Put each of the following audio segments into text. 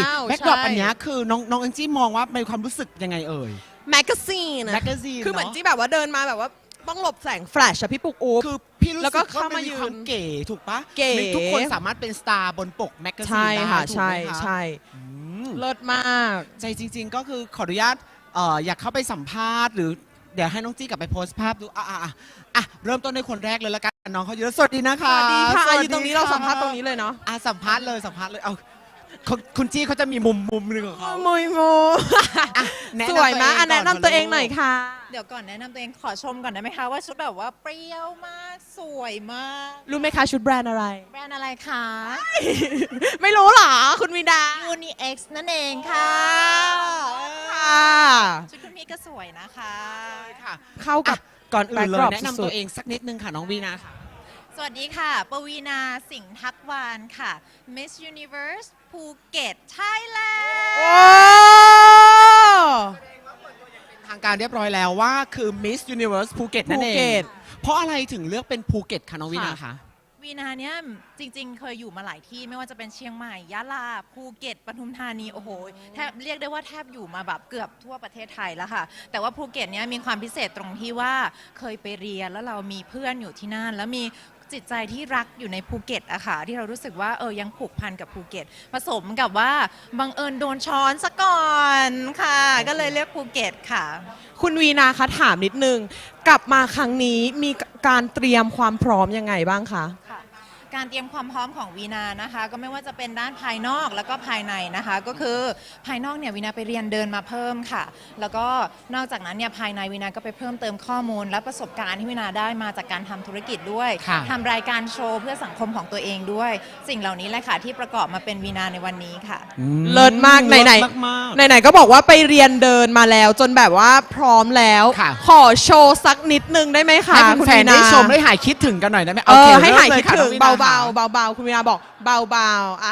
แบ็กดรอปอันนี้คือน้องแองจี้มองว่าในความรู้สึกยังไงเอ่ยแมกกาซีนแมกกาซีนคือเหมือนที่แบบว่าเดินมาแบบว่าต้องหลบแสงแฟลชอะพี่ปุ๊กอุ๊บคือพี่รู้แล้วสึก็กว่าเข้ามัมานมียืนความเก๋ถูกปะเก๋ทุกคนสามารถเป็นสตาร์บนปกแมกกาซีนใช่ได้ค่ะถูกใช่ไหมคะใช่อืมเลิศมากใจจริง ๆ ก็คือขออนุญาตอยากเข้าไปสัมภาษณ์หรือเดี๋ยวให้น้องจี้กลับไปโพสต์ภาพดูเริ่มต้นในคนแรกเลยละกันน้องเขาเยอะสวัสดีนะสคะวัสดีค่ะสวัสอยู่ตรงนี้เราสัมภาษณ์ตรงนี้เลยเนาะสัมภาษณ์เลยเอาคุณจี้เขาจะมีมุมหนึ่งของเขามุยมูแนะสนำวยมากตัวเองก่อนแนะนำตัวเองหน่อยค่ะเดี๋ยวก่อนแนะนำตัวเองขอชมก่อนได้ไหมคะว่าชุดแบบว่าเปรี้ยวมากสวยมากรู้ไหมคะชุดแบรนด์อะไรแบรนด์อะไรคะไม่รู้เหรอคุณวิดา UniX นั่นเองค่ะค่ะชุดคุณพี่ก็สวยนะคะค่ะเข้ากับก่อนอื่นเลย backdrop แนะนำสุตัดวเองสักนิดนึงค่ะน้องวีนาค่ะสวัสดีค่ะ ปวีนาสิงห์ทักวานค่ะ Miss Universe ภูเก็ตไทยแลนโอ้ด์ทางการเรียบร้อยแล้วว่าคือ Miss Universe ภูเก็ตนั่นเอภูเก็งตเพราะอะไรถึงเลือกเป็นภูเก็ตคะน้องวีนาคะวีนาเนี่ยจริงๆ เคยอยู่มาหลายที่ไม่ว่าจะเป็นเชียงใหม่ยะลาภูเก็ตปทุมธานีโอ้โหแทบเรียกได้ว่าแทบอยู่มาแบบเกือบทั่วประเทศไทยแล้วค่ะ แต่ว่าภูเก็ตเนี่ยมีความพิเศษตรงที่ว่าเคยไปเรียนแล้วเรามีเพื่อนอยู่ที่นั่น แล้วมีจิตใจที่รักอยู่ในภูเก็ตอะค่ะที่เรารู้สึกว่ายังผูกพันกับภูเก็ต ผสมกับว่าบังเอิญโดนช้อนซะก่อนค่ะ ก็เลยเลือกภูเก็ตค่ะคุณวีนาคะถามนิดนึง กลับมาครั้งนี้มีการเตรียมความพร้อมยังไงบ้างคะค่ะการเตรียมความพร้อมของวีนานะคะ ก็ไม่ว่าจะเป็นด้านภายนอกแล้วก็ภายในนะคะ ก็คือภายนอกเนี่ยวีนาไปเรียนเดินมาเพิ่มค่ะ แล้วก็นอกจากนั้นเนี่ยภายในวีนาก็ไปเพิ่มเติมข้อมูล และประสบการณ์ที่วีนาได้มาจากการทำธุรกิจด้วยค่ะทำรายการโชว์เพื่อสังคมของตัวเองด้วย สิ่งเหล่านี้แหละค่ะที่ประกอบมาเป็นวีนาในวันนี้ค่ะเลิศมากไหนเลิศมากไหนๆก็บอกว่าไปเรียนเดินมาแล้วจนแบบว่าพร้อมแล้วค่ะขอโชว์สักนิดนึงได้ไหมคะให้คุณแฟวีนๆนาได้ชมได้หายคิดถึงกันหน่อยได้ไหมให้หายคิดถึงเริ่มลยค่ะเบาน้องวีนาๆเบาๆคุณวีนาบอกเบาๆ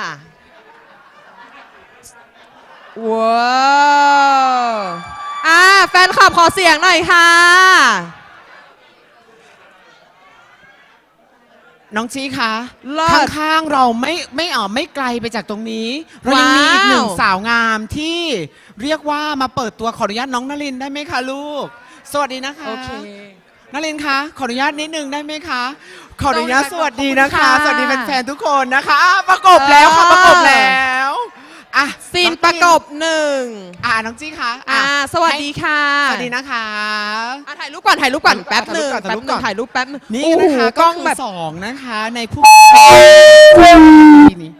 ว้าวแฟนคลับขอเสียงหน่อยค่ะน้องชี้คะเลิศข้างๆเราไม่ไกลไปจากตรงนี้ เรายังมีอีกหนึ่งว้าวสาวงามที่เรียกว่ามาเปิดตัวขออนุญาตน้องนลินได้ไหมคะลูก สวัสดีนะคะโอเคนลินคะขออนุญาตนิดนึงได้ไหมคะ ขออนุญาตสวัสดีนะคะขอบคุณค่ะสวัสดีแฟนๆทุกคนนะคะประกบแล้วค่ะประกบแล้วอ่ะซีนองประกบหนึ่งน้องจี้คะสวัสดีค่ะสวัสดีนะคะถ่ายรูปก่อนถ่ายรูปก่อนแป๊บหนึ่งถ่ายรูปก่อนถ่ายรูปแป๊บหนึ่งนี่โอ้โหนะคะกก็ล้องคือแบบสองนะคะในผู้นี้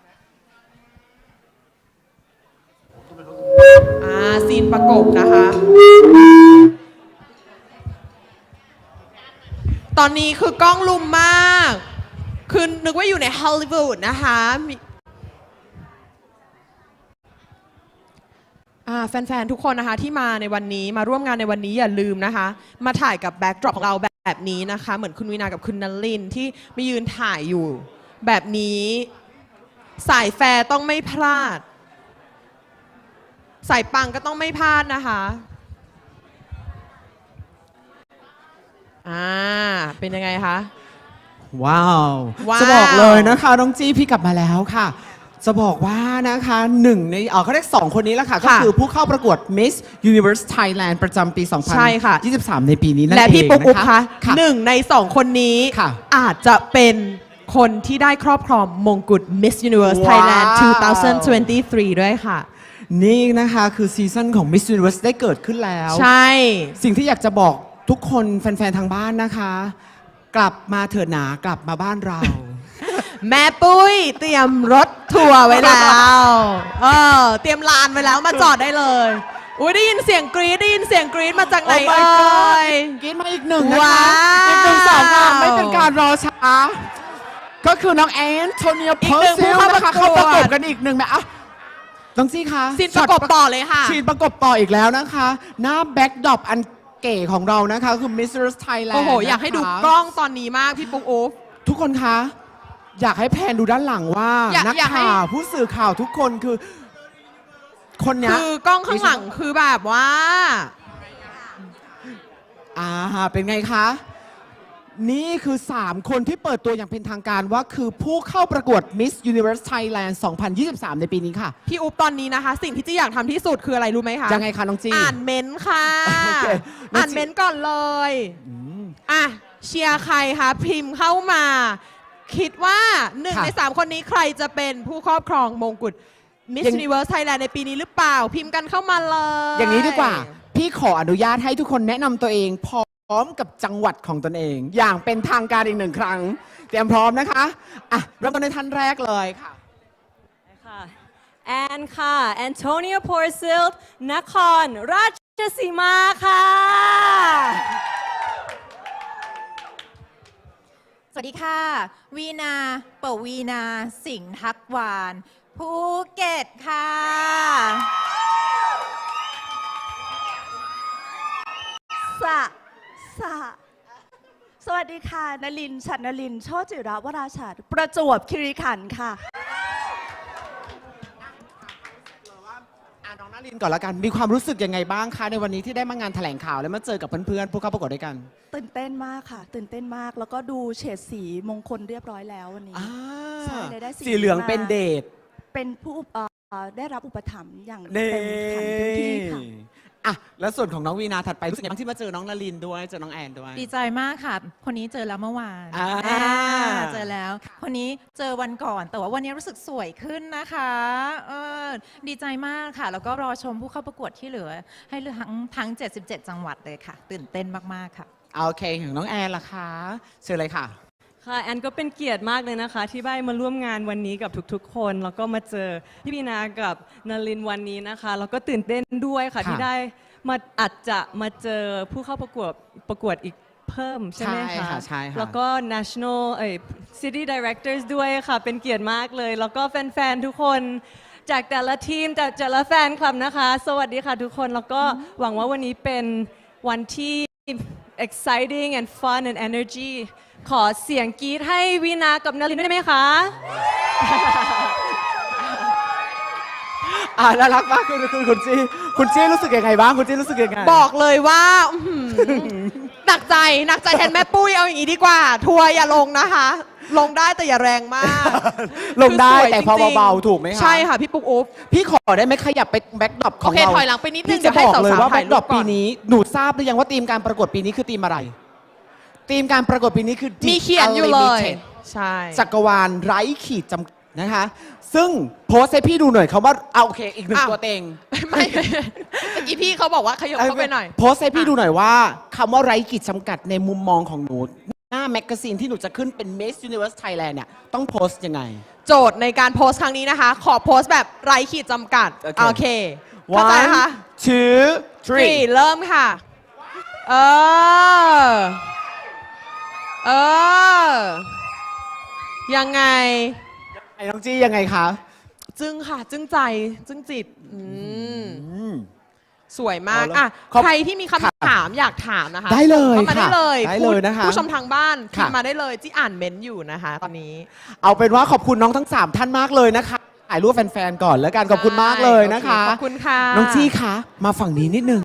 ซีนประกบนะคะ ตอนนี้คือกล้องลุมมาก คือนึกว่าอยู่ในฮอลลีวูดนะคะแฟนๆ ทุกคนนะคะที่มาในวันนี้มาร่วมงานในวันนี้อย่าลืมนะคะ มาถ่ายกับแบ็กดรอปเราแบบนี้นะคะ เหมือนคุณวินากับคุณนลินที่มายืนถ่ายอยู่แบบนี้สายแฟร์ต้องไม่พลาด สายปังก็ต้องไม่พลาดนะคะเป็นยังไงคะว้าวว้าวจะบอกเลยนะคะน้องจี้พี่กลับมาแล้วค่ะ จะบอกว่านะคะหนึ่งในเขาเรียกสองคนนี้แหละค่ะ ก็คือผู้เข้าประกวด Miss Universe Thailand ประจำปีใช่ค่ะ 2023 ในปีนี้นั่นเองและพี่ปุ๊กอุ๊บนคะหนึ่งในสองคนนี้ค่ะอาจจะเป็นคนที่ได้ครอบครองมงกุฎ Miss Universe ว้าว Thailand 2023 ด้วยค่ะนี่นะคะคือซีซั่นของ Miss Universe ได้เกิดขึ้นแล้วใช่สิ่งที่อยากจะบอกทุกคนแฟนๆทางบ้านนะคะ กลับมาเถิดหนากลับมาบ้านเราแม่ปุ้ยเตรียมรถทัวร์ไว้แล้วเตรียมลานไว้แล้วมาจอดได้เลยอุ้ยได้ยินเสียงกรี๊ดได้ยินเสียงกรี๊ดมาจากไหน Oh my เอ่ god ยกินมาอีกหนึ่งนะคะว้าวอีกหนึ่งสาวงามไม่เป็นการรอช้า ก็คือน้องแอนโทเนียอีเพกอหนึ่ร์งซิลผู้นะคะเข้าเข้าปประ ระกกวดบกันอีกหนึ่งแบบน้องซี่คะซีนประกบต่อเลยค่ะซีนประกบต่ออีกแล้วนะคะ หน้าแบ็กดรอปอันเก๋ของเรานะคะคือ Miss Universe Thailand โอ้โห อยากให้ดูกล้องตอนนี้มากพี่ปุ๊กอุ๊บทุกคนคะ อยากให้แพนดูด้านหลังว่า นักอยากให้ข่าวผู้สื่อข่าวทุกคนคือ คนเนี้ยคือกล้องข้างหลังคือแบบว่าเป็นไงคะนี่คือ 3 คนที่เปิดตัวอย่างเป็นทางการว่าคือผู้เข้าประกวด Miss Universe Thailand 2023 ในปีนี้ค่ะพี่อุ๊บตอนนี้นะคะ สิ่งที่จีอยากทำที่สุดคืออะไรรู้ไหมคะยังไงคะน้องจีอ่านเม้นต์ค่ะโอเคน้องจีอ่านเม้นต์ก่อนเลยอ่ะเชียร์ใครคะพิมพ์เข้ามา คิดว่าหนึ่งค่ะใน 3 คนนี้ใครจะเป็นผู้ครอบครองมงกุฎ Miss อย่าง Universe Thailand ในปีนี้หรือเปล่า พิมพ์กันเข้ามาเลยอย่างนี้ดีกว่า พี่ขออนุญาตให้ทุกคนแนะนำตัวเองพร้อมกับจังหวัดของตนเอง อย่างเป็นทางการอีก1 ครั้ง เตรียมพร้อมนะคะอ่ะเริ่มต้นในท่านแรกเลยค่ะค่ะแอนค่ะแอนโทเนียพอร์ซิลนครราชสีมาค่ะสวัสดีค่ะ วีนาปวีนาสิงห์ทักวานภูเก็ตค่ะสวัสดีค่ะนลินฉันนลินโชติจิระวราชาประจวบคีรีขันธ์ค่ะน้องนารินก่อนละกัน มีความรู้สึกยังไงบ้างคะในวันนี้ที่ได้มางานแถลงข่าวและมาเจอกับเพื่อนๆผู้เข้าประกวดด้วยกันตื่นเต้นมากค่ะ ตื่นเต้นมากแล้วก็ดูเฉดสีมงคลเรียบร้อยแล้ววันนี้อ่าใช่ได้สีสีเหลืองมาเป็นเดทเป็นผู้ได้รับอุปถัมภ์อย่างเน่เต็มขันเต็มที่ค่ะอ่ะแล้วส่วนของน้องวีนาถัดไปรู้สึกยังไงบ้างที่มาเจอน้องนารินด้วยเจอน้องแอนด้วยดีใจมากค่ะ คนนี้เจอแล้วเมื่อวานอ่าเจอแล้ว คนนี้เจอวันก่อน แต่ว่าวันนี้รู้สึกสวยขึ้นนะคะดีใจมากค่ะ แล้วก็รอชมผู้เข้าประกวดที่เหลือ ให้ทั้ง 77 จังหวัดเลยค่ะ ตื่นเต้นมาก ๆ ค่ะโอเคของน้องแอนล่ะคะเชิญเลยค่ะค่ะแอนก็เป็นเกียรติมากเลยนะคะ ที่ได้มาร่วมงานวันนี้กับทุกๆ คนแล้วก็มาเจอพี่บีนากับนลินวันนี้นะคะแล้วก็ตื่นเต้นด้วยค่ะค่ะที่ได้มาอาจจะมาเจอผู้เข้าประกวดอีกเพิ่มใช่ไหมใช่คะค่ะใช่ค่ะแล้วก็ national city directors ด้วยค่ะเป็นเกียรติมากเลย แล้วก็แฟนๆทุกคนจากแต่ละทีมจากแต่ละแฟนคลับนะคะ สวัสดีค่ะทุกคนแล้วก็หวังว่าวันนี้เป็นวันที่ exciting and fun and energy ขอเสียงกรี๊ดให้วีนากับนลินได้ไหมคะน่ารักมากคุณจี้รู้สึกยังไงบ้างคุณจี้รู้สึกยังไงบอกเลยว่าอื้อหือหนักใจแทนแม่ปุ้ยเอาอย่างนี้ดีกว่า ทัวร์อย่าลงนะคะ ลงได้แต่อย่าแรงมากลงได้คือสวยแต่พอจริงๆเบาๆถูกไหมคะใช่ค่ะ พี่ปุ๊กอุ๊บพี่ขอได้ไหมขยับไปแบ็กดรอปของโอเคเราถอยหลังไปนิดนึงพี่จะเดี๋ยวให้บอกเลยสาวๆว่าแบ็ถ่ายกรูดรปอปก่อนปีนี้หนูทราบหรือยังว่าธีมการประกวดปีนี้คือธีมอะไรธีมการประกวดปีนี้คือมี The เขียนอยู่เลย Unlimited ใช่จักรวาลไร้ขีดจำนะคะ ซึ่งโพสต์ให้พี่ดูหน่อยคำว่าเอาโอเคอีกหนึ่งอ้าวตัวเต็งไม่เมื่อกี้พี่เขาบอกว่าขยับเข้าไปหน่อยโพสต์ให้พี่ดูหน่อยว่าคำว่าไร้ขีดจำกัดในมุมมองของหนู หน้าแมกกาซีนที่หนูจะขึ้นเป็น Miss Universe Thailand เนี่ยต้องโพสต์ยังไงโจทย์ในการโพสต์ครั้งนี้นะคะ ขอโพสต์แบบไร้ขีดจำกัดโอเคโอเคเข้าใจ one นะคะ two three three เริ่มค่ะ เออ ยังไงไอ้น้องจี้ยังไงคะจึ้งค่ะ จึ้งใจ จึ้งจิตอืมสวยมากเอาละอ่ะขอบใครที่มีคำถามอยากถามนะคะได้เลยเข้ามาได้ค่ะเลยได้เลยนะคะผู้ชมทางบ้านพิค่ะมพ์มาได้เลยที่อ่านเมนต์อยู่นะคะ ตอนนี้เอาเป็นว่าขอบคุณน้องทั้ง 3 ท่านมากเลยนะคะถ่ายรูปแฟนๆก่อนแล้วกันขอบคุณมากเลยนะคะโอเคขอบคุณค่ะน้องจี้คะมาฝั่งนี้นิดนึง